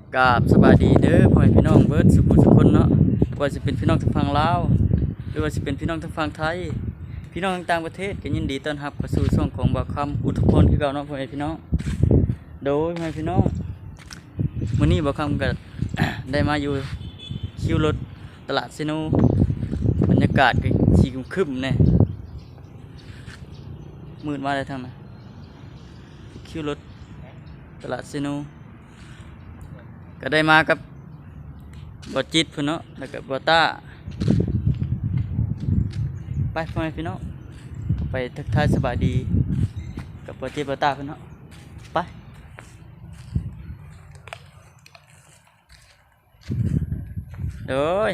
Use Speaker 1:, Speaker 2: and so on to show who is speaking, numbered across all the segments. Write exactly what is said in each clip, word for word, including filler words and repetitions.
Speaker 1: กราบสบายดีเด้อพ่อแม่พี่น้องเบิร์ดสุขุทุกคนเนาะว่าจะเป็นพี่น้องทางฝั่งลาวหรือว่าจะเป็นพี่น้องทางฝั่งไทยพี่น้องต่างประเทศก็ยินดีต้อนรับเข้าสู่ช่องของบ่าวคำอุทุพลคือเก่าเนาะพ่อแม่พี่น้องโดยพ่อแม่พี่น้องมื้อนี้บ่าวคำก็ ได้มาอยู่คิวรถตลาดซิโนบรรยากาศก็สีครึ้มๆแน่มืดมาได้ทางนั้นคิวรถตลาดซิโนก็ได้มากับบอจิตพุ่นเนาะแล้วก็บอต้าไปพ่อแม่พี่น้องไปทักทายสบายดีกับบอจิตบอต้าพุ่นเนาะไปโดย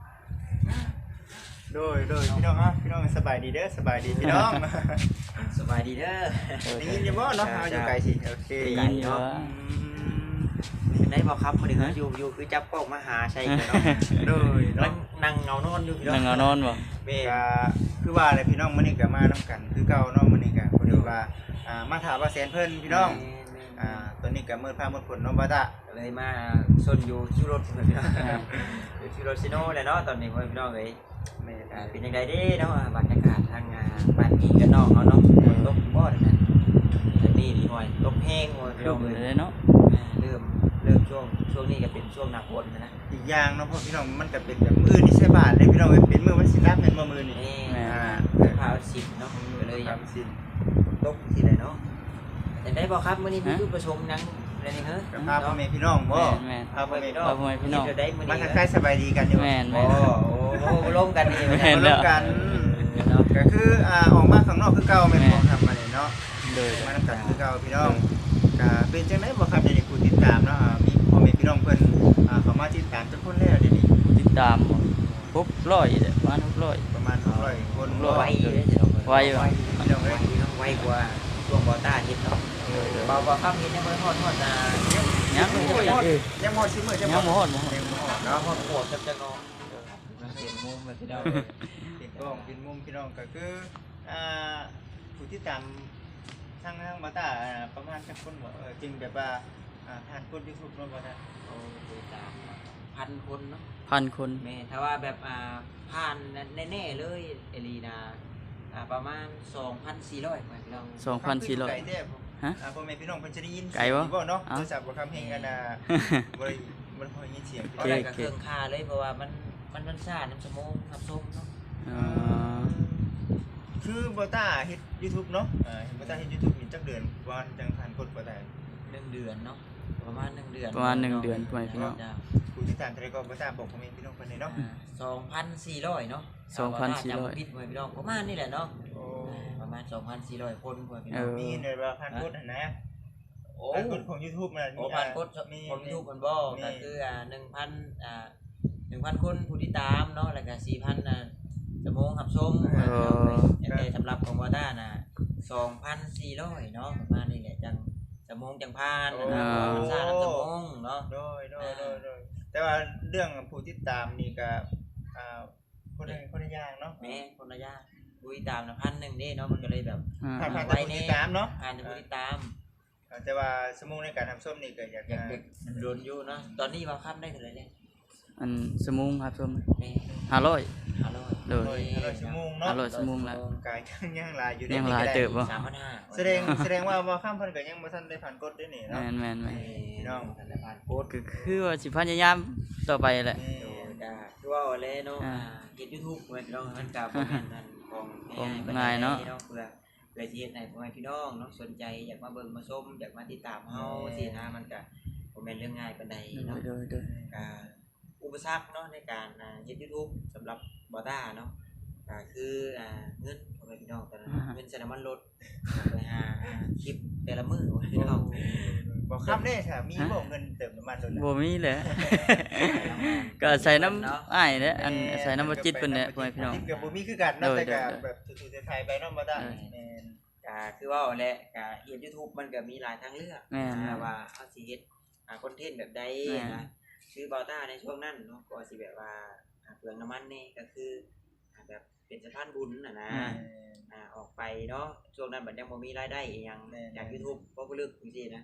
Speaker 2: โดยโดยพี่น้องอ่ะพี่น้องสบายดีเด้อสบายดีพี่น้อง
Speaker 3: สบายดีเด้อ
Speaker 2: ได้ยินอยู่บ่เนาะเอาอยู่ไกลสิโอเค
Speaker 1: ได้ยินอยู่
Speaker 3: ได้บอกครับพอดีเขาอยู่อยู่คือจับกล้องมาหาใช่กันเนาะ
Speaker 2: โดย
Speaker 3: นั่
Speaker 2: เนาะ
Speaker 3: งนั่งเงานอนอยู่พี่
Speaker 1: นั่งเอานอนบ่
Speaker 3: เบ้
Speaker 2: ก็คือว่าอะไรพี่น้องมื้อนี้ก็มานํกันคือเก่าเนาะมื้อนี้ก็พอดีว่าอ่ามาถามว่าแสนเพิ่นพี่น้องอ่าตอนนี้ก็มืดฟ้ามืดฝนเนาะบ่ตา
Speaker 3: เลยมาซนอยู่คิวรถพี่น้องอยู่คิวรถซิโน่เลยเนาะตอนนี้พี่น้องเอ้ย
Speaker 2: แม่
Speaker 3: อ่าเป็นยังไงเด้เนาะบรรยากาศทางบ้านพี่กันน้องเขาเนาะฝนตกบ่ได้นะแต่นี่ดีหน่อยตกแห้งหน่อยพี่
Speaker 1: ครึ้
Speaker 3: น้อ
Speaker 1: ม
Speaker 3: ง
Speaker 1: เล
Speaker 3: เอ้ย
Speaker 1: ยเนาะ
Speaker 3: เริ่มเริ่มช่วงช่วงนี้ก็เป็นช่วงหน้าฝนนะ
Speaker 2: อีกอย่างเนาะพ่อพี่น้องมันก็เป็นแบบมื้อนี่ใช่บาทเลยพี่น้องเอ้ยเป็นมื้อวันศิลป์เป็นบ่มื้อนี่
Speaker 3: นี่
Speaker 2: อ่า
Speaker 3: พาสิบเนาะก็เลยอยาก
Speaker 2: ทำสิน
Speaker 3: ตกที่ไหนเนาะแต่ได้บอกครับมื้อนี้มีผู้ประชุมยังอะไรนี่เฮ้ย
Speaker 2: กับพาพ่อแม่พี่น้องบ่
Speaker 1: แม่น
Speaker 2: พาพ่อแม่พี่น้อง
Speaker 1: พาพ่อแม่พี่น้อง
Speaker 3: ได้มื้อ
Speaker 2: มา
Speaker 3: นี้
Speaker 2: ทักทายสบายดีกันอยู่
Speaker 1: แม่น
Speaker 3: โอ้
Speaker 1: แม่น
Speaker 3: โหร่วมกันนี่
Speaker 1: แม่น
Speaker 2: มาร่วมกันก็คืออ่าออกมาข้างนอกคือเก่าแม่นบ่ทำมาเนี่ยเนาะ
Speaker 1: โดย
Speaker 2: มานํกันคือเก่าพี่น้องก็เป็นจังได๋บ่ครับเดี๋ยวนี้ผู้ติดตามเนาะอ่ามีพ่อแม่พี่น้องเพิ่นอ่าเข้ามาติดตามจักคนแล้วเดี๋ยวนี้
Speaker 1: ติดตามหกร้อยเด้อประมาณหกร้อย
Speaker 2: ประมาณหกร้อยคน
Speaker 1: ร้อย
Speaker 3: ไวเลยจะต้อง
Speaker 1: ไวอยู่
Speaker 2: พี่น้อง
Speaker 3: ไว
Speaker 2: เอ้ย
Speaker 3: เนาะไวกว่าช่วงบอต้าเฮ็ดเนาะเบาบ่ครับเฮ็ดยังบ่ฮอดฮอดน่ะ
Speaker 1: ยัง
Speaker 2: โอ้ย
Speaker 1: ยัง
Speaker 2: ยังบ่สิมื้อ
Speaker 1: ยั
Speaker 2: จั
Speaker 1: ง
Speaker 2: ง
Speaker 1: บ่
Speaker 2: บ่
Speaker 1: ฮอดบ่ฮอด
Speaker 2: ยังบ่ฮอด
Speaker 3: เนาะ
Speaker 2: เนาะ
Speaker 3: ฮอดโคตรจับจังเนาะเสียงมุมแบบที่เรา
Speaker 2: ติดกล้องกินมุมพี่น้องก็คืออ่าผู้ติดตามทางทางมาตาอ่าประมาณจักคนบ่เออจริงแบบว่าอ่าผ่านกด YouTube เนาะบ่ได้
Speaker 3: โอ้ติดตามพันคนเนาะ
Speaker 1: พันคน
Speaker 3: แม่ถ้าว่าแบบอ่าผ่านแน่ๆเลยเอลีนาอ่าประมาณสองพันสี่ร้อยเหมือนเรา
Speaker 1: สองพันสี่ร้อย
Speaker 2: ไกลแท้ผม
Speaker 1: ฮะ
Speaker 2: อ่าพ่อแม่พี่น้องเพิ่นจะได้ยิน
Speaker 1: ไกลบ่
Speaker 2: เสียงบ่เนาะ
Speaker 1: เอ้า
Speaker 2: โทรศัพท์บ่คำเพลงกันน่ะบ่ได้บ่ได้พอยินเสียงพี่
Speaker 3: เอา
Speaker 2: น้อง
Speaker 3: ได้กับเครื่องค่าเลยเพราะว่ามันมันมันซ่าน้ำสมองน้ำส้มเนาะ
Speaker 1: อ๋อ
Speaker 2: คือบ่ตาเฮ็ด YouTube เนาะอ่าเฮ็ดบ่ตาเฮ็ด YouTube นี่จักเดือนว่าจังผ่านกดบ่ได้
Speaker 3: หนึ่งเดือนเนาะประมาณหนึ่งเดือน
Speaker 1: ประมาณหนึ่งเดือนพ่อแม่พี่น้อง
Speaker 2: ผู้ติดตามเท่าใดก็บ่ทราบบอกพ่อแม่พี่น้องเพิ่นเลยเนาะ
Speaker 3: สองพันสี่ร้อยเนาะ
Speaker 1: สองพันสี่ร้อย
Speaker 3: จำผิดไว้พี่น้องประมาณนี่แหละเนาะ
Speaker 2: โอ้
Speaker 3: ประมาณสองพันสี่ร้อยคนพ่อพี่
Speaker 1: เอ
Speaker 3: น้อง
Speaker 1: อ
Speaker 2: มีเงินว่าผ่านกดหั่นนะ
Speaker 3: โอ้
Speaker 2: ผ่านกดของ YouTube น่ะ
Speaker 3: โอ้พันคน
Speaker 2: มี
Speaker 3: คนยูทูบมันบอกก็คืออ่าหนึ่งพันอ่าหนึ่งพันคนผู้ติดตามเนาะแล้วก็สี่พันอ่ะสมองขับชม
Speaker 1: เออ
Speaker 3: แต่สำหรับของวอต้าน่ะสองพันสี่ร้อยเนาะประมาณนี้แหละจังสมองจังพานนะเนาะมันซ่าน้ำสมองเนาะ
Speaker 2: โดยโดยโดยโดยแต่ว่าเรื่องผู้ติดตามนี่ก็อ่าคนละคนละอย่างเนาะ
Speaker 3: แม่คนละอยางผู้ติดตามนะพันหนึ่งเด้เนาะมันก็เลยแบบ
Speaker 1: อ่า
Speaker 2: ผ่านผ่าน
Speaker 3: ไว้
Speaker 2: แต่ผู้
Speaker 3: แน่
Speaker 2: ติดตามเนาะ
Speaker 3: ผ่านแต่ผู้ติดตาม
Speaker 2: แต่ว่าสมมุติในการทำส้มนี่ก็อยาก
Speaker 3: อยากเด็กมันโดนอยู่เนาะตอนนี้ว่าค่ำได้เท่าไหร่เนี่ย
Speaker 1: อันสมุงครับชม
Speaker 3: แม่
Speaker 1: ห้าร้อย
Speaker 3: ฮัลโหล
Speaker 1: โดย
Speaker 2: ร้อยชั่วโมงเนาะ
Speaker 1: ห้าร้อยชั่วโมงละ
Speaker 2: กายยังยังหลายอยู่
Speaker 1: ยังหลายเติบบ่
Speaker 3: สามพันห้า
Speaker 2: แสดงแสดงว่าว่าข้ามเพิ่นก็ยังบ่ทันได้ผ่านกฎด้วยนี่
Speaker 1: แม
Speaker 2: เนาะ
Speaker 1: นแมนแมน
Speaker 3: พี่น้องทันได้ผ่านโพสต์
Speaker 1: ก็คือว่าสิพยายามต่อไปแหละ
Speaker 2: นี่
Speaker 3: โดยก็คือว่าเอาเลยเนาะ
Speaker 1: อ่า
Speaker 3: เฮ็ด YouTube ไว้พี่น้องมันก็บ่แม่นอันของ
Speaker 1: ของ
Speaker 3: ปนใด
Speaker 1: ง่ายเนาะ
Speaker 3: เพื่อเพื่อสิเฮ็ดให้พ่อแม่พี่น้องเนาะสนใจอยากมาเบิ่งมาชมอยากมาติดตามเฮาสินะมันก็บ่แม่นเรื่องง่ายปานใด
Speaker 1: โด
Speaker 3: เนาะ
Speaker 1: ยโดยโดย
Speaker 3: ก็อุปสรรคเนาะในการอ่าเฮ็ด YouTube สำหรับบอต้าเนาะก็คืออ่าเงินพ่อแม่พี่น้องตอนนั้นเงินใช้น้ำมันรถไปหาคลิปแต่ละมื้อพี่น้อง
Speaker 2: บ่ข้ามได้ถ้ามีบ่เงินเติมน้ำมันโดน
Speaker 1: บ่มีแหละ ก็ใส่น้ำอ้ายเด้ออันใส่น้ำบ่จิตเพิ่นแหละพ่อแม่พี่น้อง
Speaker 2: ก็บ่มีคือกันเนาะ
Speaker 1: โดย
Speaker 2: แต่ก็
Speaker 1: โดย
Speaker 2: แบบทุกๆไทยไปเนาะบ่ได้แม่น
Speaker 3: ก็คือว่าแหละก็เฮ็ด YouTube มันก็มีหลายทางเลือก
Speaker 1: แม่น
Speaker 3: นะว่าเฮาสิเฮ็ดอ่าคอนเทนต์แบบใด
Speaker 1: แม่น
Speaker 3: นะคือบอต้าในช่วงนั้นเนาะก็สิแบบว่าอ่าเปลืองน้ำมันนี่ก็คืออ่าแบบเป็นสะพานบุญน่ะนะ อ่าออกไปเนาะช่วงนั้นบัดยังบ่มีรายได้อีหยังจาก YouTube เพราะบ่ลึกจังซี่นะ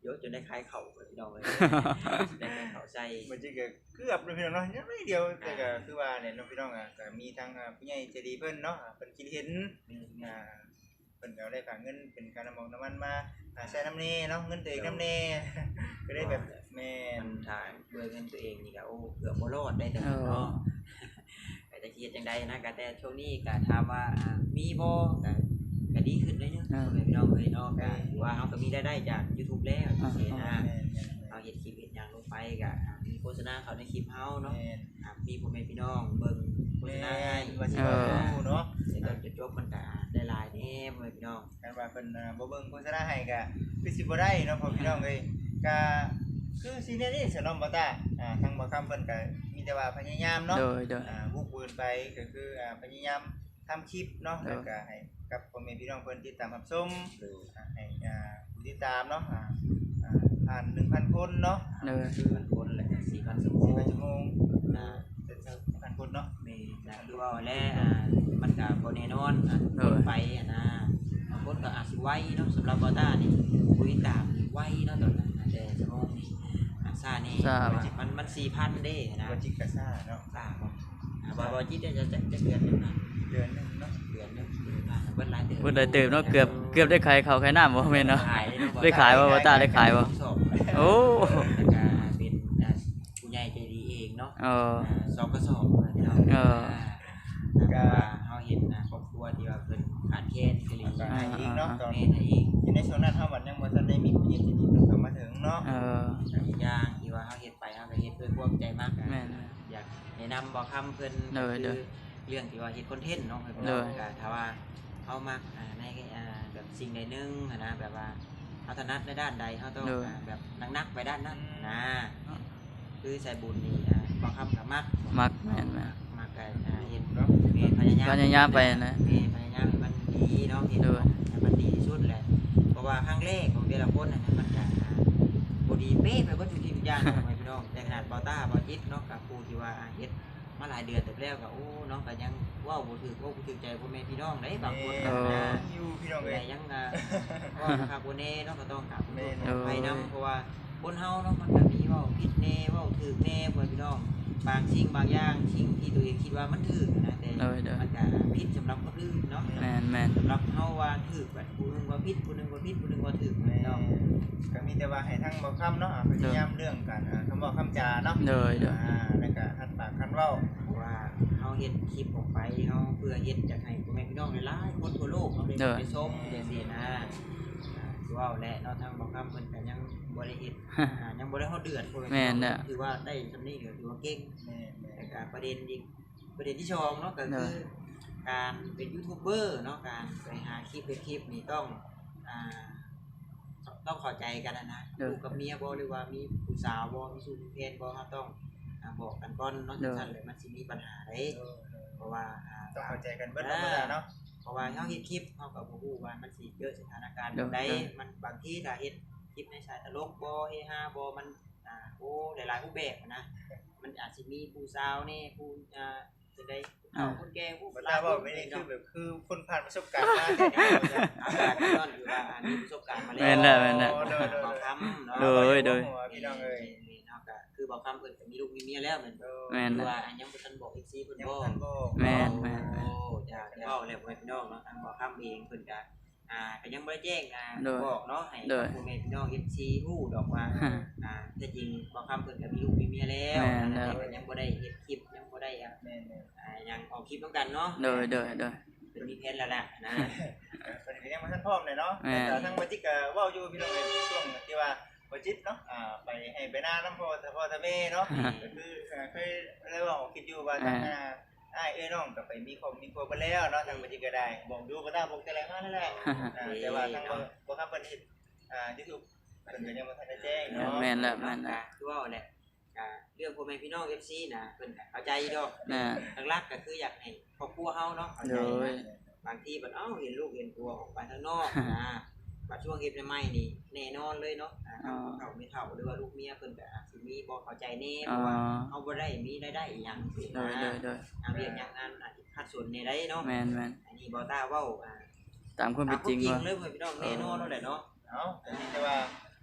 Speaker 3: เยอะจนได้คล้ายเข่าเลยพี่น้องเลยได้คล้ายเข่าใส่
Speaker 2: มันจะเกือบเลยพี่น้องเนาะยังไม่เดียวแต่ก็คือว่าเนี่ยน้องพี่น้องอ่ะก็มีทางผู้ใหญ่ใจดีเพิ่นเนาะเพิ่นคิดเห็นอ่าเพิ่นก็ได้ฝากเงินเป็นการน้ำมันน้ำมันมาใช้น้ำเน่เนาะเงินตัวเองน้ำเน่ก็ได้แบบแม่น
Speaker 3: มันถ่ายเบื่อเงินตัวเองนี่ก็โอ้เกือบบ่รอดได้แต่เนาะก็จะคิดจังไดนะก็แต่ช่วงนี้ก็ถามว่ามีบ่ก็ก็ดีขึ้นได้เนาะพี่น้องเอ้ยเนาะก็ถือว่าเฮาก็มีรายได้จาก YouTube แล้วจังซี่นะเอาเฮ็ดคลิปเฮ็ดหยังลงไปก็มีโฆษณาเข้าในคลิปเฮาเนาะมีพ่อแม่พี่น้องเบิ่งโฆษณาให้
Speaker 2: ว่าสิว่าฮู้เนาะ
Speaker 3: แต่ก็จะจบมันก็ได้หลายแน่พ่อแม่พี่น้อง
Speaker 2: กันว่าเพิ่นบ่เบิ่งโฆษณาให้ก็คือสิบ่ได้เนาะพ่อพี่น้องเอ้ยก็คือสิเนี่ยนี่สนอมบ่ตาอ่าทางบ่คำเพิ่นก็มีแต่ว่าพยายามเนาะ
Speaker 1: โดยโดย
Speaker 2: อ่าบุกเบินไปก็คืออ่าพยายามทำคลิปเนาะแล้วก็ให้กับพ่อแม่พี่น้องเพิ่นติดตามรับชมอ่าให้อ่าผู้ติดตามเนาะอ่าอ่าผ่าน หนึ่งพัน คนเนาะ
Speaker 1: โดย
Speaker 3: คือมันคนแหละสี่พันชั่วโม
Speaker 2: สี่
Speaker 3: ง
Speaker 2: พันชั่วโมง
Speaker 3: นะ
Speaker 2: เป็นหนึ่งพัน คนเนาะ
Speaker 3: มีนะดูว่าแล้วอ่ามันก็บ่แน่นอนอ่ะคนไปอ่ะนะบางคนก็อาจสิไวเนาะสำหรับบอต้านี่คุยตามนี่ไวเนาะตอนนั้นนะแต่ชั่วโมงนี่อ่าซ่านี่มันมัน สี่พัน เด้นะ
Speaker 2: บ่จิกกะซ่าเนาะ
Speaker 3: ซ่าบ่อ่าบ่บ่จิตจะจะจะเดือนนึงนะ
Speaker 2: เดือนหนึงเนาะ
Speaker 3: เดือนนึงอ่าเบิ่นหลายเดือน
Speaker 1: เพิ่นได้เติมเนาะเกือบเกือบได้ขายข้าวขายน้ำบ่แม่นเนาะ
Speaker 3: ขายเนาะ
Speaker 1: ได้ขายบ่บ่ตาได้ขายบ่
Speaker 3: สอบ
Speaker 1: โอ้
Speaker 3: แล้วก็เป็นอ่าผู้ใหญ่ใจดีเองเนาะ
Speaker 1: เออ
Speaker 3: สองกระสอบพี่น้อง
Speaker 1: เออ
Speaker 3: ก็เฮาเห็นนะครอบครัวที่ว่าเพิ่นขาดแคลนคือหลี
Speaker 2: ก็ให้อีกเนาะตอน
Speaker 3: แม่ให้อีก
Speaker 2: อยู่ในช่วงนั้นเฮาบัดยังบ่ทันได้มีผู้ใหญ่ใจดีเพิ่นเข้ามาถึงเนาะ
Speaker 1: เออ
Speaker 3: อีกอย่างที่ว่าเฮาเฮ็ดไปเฮาก็เฮ็ดด้วยความใจมากนะ
Speaker 1: แม่น
Speaker 3: อยากแนะนำบ่คำเพิ่น
Speaker 1: เด้อเด้อ
Speaker 3: เรื่องที่ว่าเฮ็ดคอนเทนต์เนาะ
Speaker 1: เด้อ
Speaker 3: ก็ถ้าว่าเฮามักอ่าในอ่าแบบสิ่งใดหนึงอะนะแบบว่าเฮาถนัดในด้านใดเฮาต้องอ่าแบบนักๆไปด้านนั้นนะคือใส่บุญนี่อ่าบ่คำก็มัก
Speaker 1: มักแม่นแม่น
Speaker 3: มักก็อ่าเฮ็ด
Speaker 2: เนาะ
Speaker 3: มีพยายาม
Speaker 1: พยายามไปนะ
Speaker 3: มีพยายามให้มันดีเนาะเห็น
Speaker 1: ด้วย
Speaker 3: ให้มันดีที่สุดแหละเพราะว่าครั้งแรกของแต่ละคนน่ะมันจะบ่ดีเป๊ะไปบ่ทุกทีทุกอย่างเนาะพี่น้องแต่ขนาดเบาต้าเบาจิตเนาะกับครูที่ว่าเฮ็ดมาหลายเดือนแต่แล้วก็โอ้น้องก็ยังเว้าบ่ถูกเว้าบ่ถูกใจพ่อแม่พี่น้องได้บางคนก็นะ
Speaker 2: อยู่พี่น้องเอ้
Speaker 3: แต่
Speaker 2: ย
Speaker 3: ยังอ่าก็ครับบ่แน่เนาะก็ต้องกราบขอโทษ
Speaker 2: แม่
Speaker 3: ขออภัยนำเพราะว่าคนเฮาเนาะมันก็มีเว้าผิดแน่เว้าถูกแน่พ่อพี่น้องบางสิ่งบางอย่างสิ่งที่ตัวเองคิดว่ามันถูกนะแต่
Speaker 1: เด้อเด้อ
Speaker 3: มันก็ผิดสำหรับคนอื่นเนาะ
Speaker 1: แม่นแม่น
Speaker 3: สำหรับเฮาว่าถูกแบบผู้หนึงว่าผิดผู้หนึงว่าผิดผู้หนึงว่าถูก
Speaker 2: แม่
Speaker 3: เนาะ
Speaker 2: ก็มีแต่ว่าให้ทั้งบ่คำเนาะพยายามเรื่องการอ่าคำบอกคำจาเนาะ
Speaker 1: เด้อเด้อ
Speaker 2: อ่าแล้วก็หัดปากคันเว้า
Speaker 3: เพราะว่าเฮาเฮ็ดคลิปออกไปเฮาเพื่อเฮ็ดจากให้พ่อแม่พี่น้องหลายๆคนทั่วโลกเนาะได้ไปชมจังซี่นะอ่าคือว่าแหละเนาะทางบ่คำเพิ่นก็ยังบ่ได้เฮ็ดอ่ายังบ่ได้ฮอดเดือนพ่อแม่พี่น้องถือว่าได้ซำนี้ก็ถือว่าเก่ง
Speaker 2: แม่แม่
Speaker 3: แต่ก็ประเด็นอีกประเด็นที่สองเนาะก็คือการเป็นยูทูบเบอร์เนาะการไปหาคลิปเป็นคลิปนี่ต้องอ่าต้องเข้าใจกันนะนะลูกกับเมียบ่หรือว่ามีผู้สาวบ่มีสู่มีเพศบ่เราต้องอ่าบอกกันก่อนเนาะจังซั่นเลยมันสิมีปัญหาเด้
Speaker 2: เออ
Speaker 3: เพราะว่าอ่า
Speaker 2: ต้องเข้าใจกันเบิดธรรมดาเนาะ
Speaker 3: เพราะว่าเฮาเฮ็ดคลิปเฮาก็บ่ฮู้ว่ามันสิเกิดสถานการณ์ใดมันบางทีถ้าเฮ็ดคลิปในสายตลกบ่เฮฮาบ่มันอ่าโอ้หลายๆรูปแบบนะมันอาจสิมีผู้สาวนี่ผู้อ่าจะได้เอาคนแก่ผู้
Speaker 2: บ่ตาเว้าไม่ได้คือแบบคือคนผ่านประสบการณ์มา
Speaker 3: อาการก็อยู่ว่าอ่ามีประสบการณ์มาแล้ว
Speaker 1: แม่นแล้วแม่นแล้ว
Speaker 3: บอกคำเนาะ
Speaker 1: โดยโดย
Speaker 2: พี่น้องเอ้ย
Speaker 3: เนาะก็คือบอกคำเพิ่นก็มีลูกมีเมียแล้วแม่นบ่
Speaker 1: แม่น
Speaker 3: หรือ
Speaker 1: แล้ว
Speaker 3: ว่าอันยังบ่ทันบอก เอฟ ซี เพิ่น
Speaker 2: ยัง
Speaker 3: บ่
Speaker 2: ทันบ่
Speaker 1: แม่นแม่นแม่น
Speaker 3: โอ้จ้าเดี๋ยวเอาแล้วพ่อแม่พี่น้องเนาะทางบอกคำเองเพิ่นก็อ่าก็ยังบ่ได้แจ้งอ่า
Speaker 1: โดย
Speaker 3: บอกเนาะให้
Speaker 1: โดย
Speaker 3: พ่อแม่พี่น้อง เอฟ ซี ฮู้ดอกว่าอ่าแต่จริงบอกคำเพิ่นก็มีลูกมีเมียแล้ว
Speaker 1: แม่นแล้ว
Speaker 3: แต่ก็ยังบ่ได้เฮ็ดคลิปยังบ่ได้อ่ะ
Speaker 2: แม่น
Speaker 3: อ่ายังออกคลิปนำกันเนาะ
Speaker 1: โดยโดยโดย
Speaker 3: เป็นมีแผนแล้วล่ะนะ
Speaker 2: ๆเพิ่นก็ยังบ่ทันพร้อมเลยเนาะ
Speaker 1: แม่น
Speaker 2: แต่ทางบ่จิกก็เว้าอยู่พี่น้องเอ้ยช่วงที่ว่าบ่จิตเนาะอ่าไปให้ไปหน้าน้ำพ่อพ่อตาแม่เนาะก็คือเคยได้เว้าคิดอยู่ว่าทางหน้าอ้ายเอ้ยน้องก็ไปมีครอบมีครัวไปแล้วเนาะทางบ่จิกก็ได้บอกดูบ่ตาบอกแต่ไรมานั่นแหละอ่าแต่ว่าทางบ่บ่ครับเพิ่นเฮ็ดอ่า YouTube เพิ่นก็ยังบ่ทันได้แจ้งเนาะ
Speaker 1: แม่นแล้วแม่นแล้ว
Speaker 3: คือว่าแหละก็เรื่องพ่อแม่พี่น้อง เอฟ ซี นะเพิ่นก็เข้าใจดอก
Speaker 1: น่ะ
Speaker 3: หลักๆก็คืออยากให้ครอบครัวเฮาเนาะเข้า
Speaker 1: โด
Speaker 3: ใจ
Speaker 1: ย
Speaker 3: บางทีบัดเอ้าเห็นลูกเห็นตัวออกไปข้างนอกนะบัดช่วงเฮ็ดใหม่ๆนี่แน่นอนเลยเนาะอ่า
Speaker 1: อ๋อ
Speaker 3: เขาไม่เฒ่าหรือว่าลูกเมียเพิ่นก็อาจสิมีบ่เข้าใจแน่เพ
Speaker 1: อ๋อ
Speaker 3: ราะว่าเฮาบ่ได้มีรายได้อีหยังสิ
Speaker 1: โด
Speaker 3: นะ
Speaker 1: ยโดยโดย
Speaker 3: ทางเรียนอย่างนั้นอาจสิขัดสนในได้เนาะ
Speaker 1: แม่นแม่น
Speaker 3: อันนี้บ่ต้าเว้าอ่า
Speaker 1: ตามความเป็นจริง
Speaker 3: ตาม
Speaker 1: ว่า
Speaker 3: เลยเพิ่นพี่น้องแน่นอนแล้วแหละเนาะ
Speaker 2: เนาะแต่นี่แต่ว่า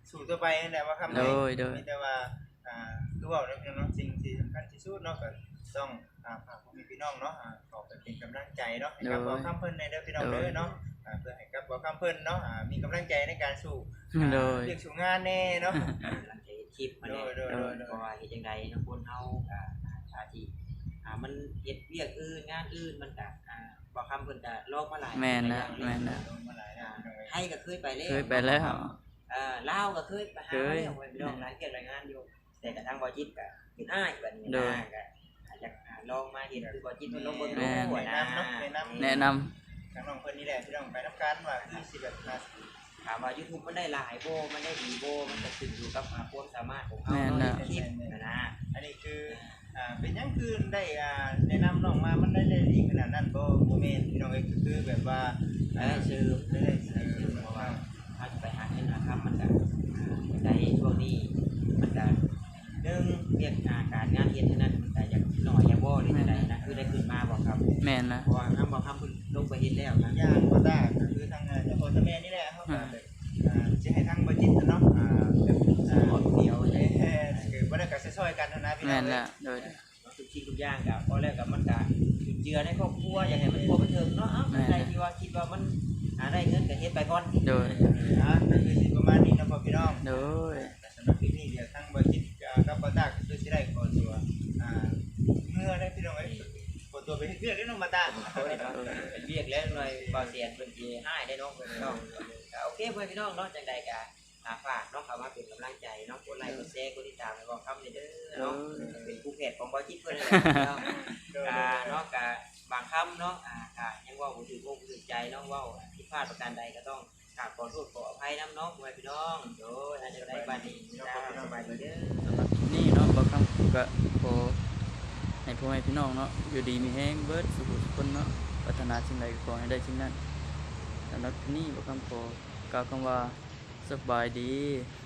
Speaker 2: สู่ต่อไปนั่นแหละว่าคำ
Speaker 1: โดยโดย
Speaker 2: มีแต่ว่าอ่าคือว่าแล้วพี่น้องสิ่งที่สำคัญที่สุดเนาะก็ต้องอ่าฝากพ่อแม่พี่น้องเนาะอ่าขอเป็นกำลังใจเนาะให้กับบ่คำเพิ่นในเด้อพี่น้องเด้อเนาะอ่าเพื่อให้กับบ่คำเพิ่นเนาะอ่ามีกำลังใจในการสู้
Speaker 1: โดย
Speaker 2: เรียกสู่งานแน่เนาะ
Speaker 3: หลังจากคลิปมา
Speaker 2: โด
Speaker 3: เนี่ย
Speaker 2: ยโดยโดยโดย
Speaker 3: เพราะว่าเฮ็ดจังไดเนาะคนเฮาก็อาที่อ่ามันเฮ็ดเวียกอื่นงานอื่นมันก็อ่าบ่คำเพิ่นก็ลอกมาหลาย
Speaker 1: แม่นนะแม่นนะ
Speaker 2: โดนมาหลายแล้วพี่น้องเอ้ย
Speaker 3: ให้ก็เคยไปแล้ว
Speaker 1: เคยไปแล้ว
Speaker 3: เอ่อลาวก็เคยไปหา
Speaker 1: เคย
Speaker 3: แล้วพี่น้องหลายเกียรติรายงานอยู่แต่กระทั่งบ่จิตก็เป็นอ้ายบัดนี้
Speaker 1: โด
Speaker 3: นะ
Speaker 1: ย
Speaker 3: ก็อาจจะอ่าลองมาเฮ็ดคือบ่จิตมันลงเบิ่ง
Speaker 1: แม่
Speaker 3: ดู
Speaker 1: น
Speaker 3: นะ
Speaker 1: แนะนำ
Speaker 2: ทางน้องเพิ่นนี่แหละพี่น้องไปนํกันว่าคือสิแบบอ่า
Speaker 3: ถามว่า YouTube มันได้หลายโบมันได้ดีโบมันก็ขึ้นอยู่กับอ่าความสามารถของเขา
Speaker 1: แม่น
Speaker 3: เนาะ
Speaker 1: นะ
Speaker 3: ในคลิปนะนะ
Speaker 2: อันนี้คืออ่าเป็นหยังคือได้อ่าแนะนำน้องมามันได้ได้ดีขนาดนั้นบ่บ่แม่นพี่น้องเอ้ยก็คือแบบว่า
Speaker 3: ได้ชื่อ
Speaker 2: ได้ได้เอ
Speaker 3: ได้
Speaker 2: อ
Speaker 3: ชื่อ
Speaker 2: เพ
Speaker 3: เพ
Speaker 2: ราะ
Speaker 3: ราะ
Speaker 2: ว่า
Speaker 3: ว่าถ้าจะไปหาเงินหาคำมันก็อ่าได้ช่วงนี้มันก็หนึ่งเรียกงานการงานเฮ็ดเท่านั้นมันก็อยากหน่อยอยากบ่หรือจังไดนะคือได้ขึ้นมาบ่ครับ
Speaker 1: แม่นนะ
Speaker 3: เพราะว่าคำบ่คำเพิ่นลงไปเฮ็ดแล้วนะ
Speaker 2: ย่างบ่ได้ก็คือทางอ่าเจ้าพ่อเจ้าแม่นี่แหละเฮาก็แบบอ่าสิให้ทางบ่จิตเนาะอ่าแบบอ่า
Speaker 3: ขอเดียว
Speaker 2: เอ้
Speaker 3: เลย
Speaker 2: ยคือบ่ได้ก็ซอยๆกันเท่านั้นพี่น้
Speaker 1: แม่
Speaker 2: อง
Speaker 1: น
Speaker 2: เอ้
Speaker 1: ละ
Speaker 2: ย
Speaker 1: โดย
Speaker 3: ทุกสิ่งทุกอย่างก็พอแล้วก็มันก็จุดเจือในครอบครัวอยากให้มันครัวบันเทิงเนาะเอ้าใครที่ว่าคิดว่ามันหาได้เงินก็เฮ็ดไปก่อน
Speaker 1: โดย
Speaker 2: อ่าก็คือสิประมาณนี้เนาะพ่อพี่น้อง
Speaker 1: โดย
Speaker 2: แต่สำหรับคลิปนี้เดี๋ยวทางบ่จิตอ่ากับบ่ตาก็คือสิได้ขอตัวอ่าเมื่อได้พี่น้องเอ้ยขอตัวไปเฮ็ดเวียกเด้อน้องมาตา
Speaker 3: เป็นเวียกแล้วหน่อยบ่เสียนเพิ่นสิให้ได้เนาะเพิ่นเนาะก็โอเคเพื่อนพี่น้องเนาะจังใดก็อ่าฝากเนาะเข้ามาเป็นกำลังใจเนาะกดไลค์กดแชร์กดติดตามให้บ่คำเด้อเนาะเป็นผู้เพจของบ่จิตเพิ่นนั่นแหละเนาะ อ่าเนาะกะบางคำเนาะอ่ากะยังเว่าบ่ถึงอกบ่ถึงใจเนาะเว่าผิดพลาดประการใดก็ต้องกราบขอโทษขออภัยนำเนาะพ่อแม่พี่น้องโดยอาจจะได้บัดนี้จ้าสบายดีเด้อ
Speaker 1: สำหรับคลิปนี้เนาะบ่คำก็ขอให้พ่อแม่พี่น้องเนาะอยู่ดีมีแฮงเบิดสุขสุขคนเนาะปรารถนาสิ่งใดก็ขอให้ได้สิ่งนั้นสำหรับคลิปนี้บ่คำขอกล่าวคำว่าสบายดี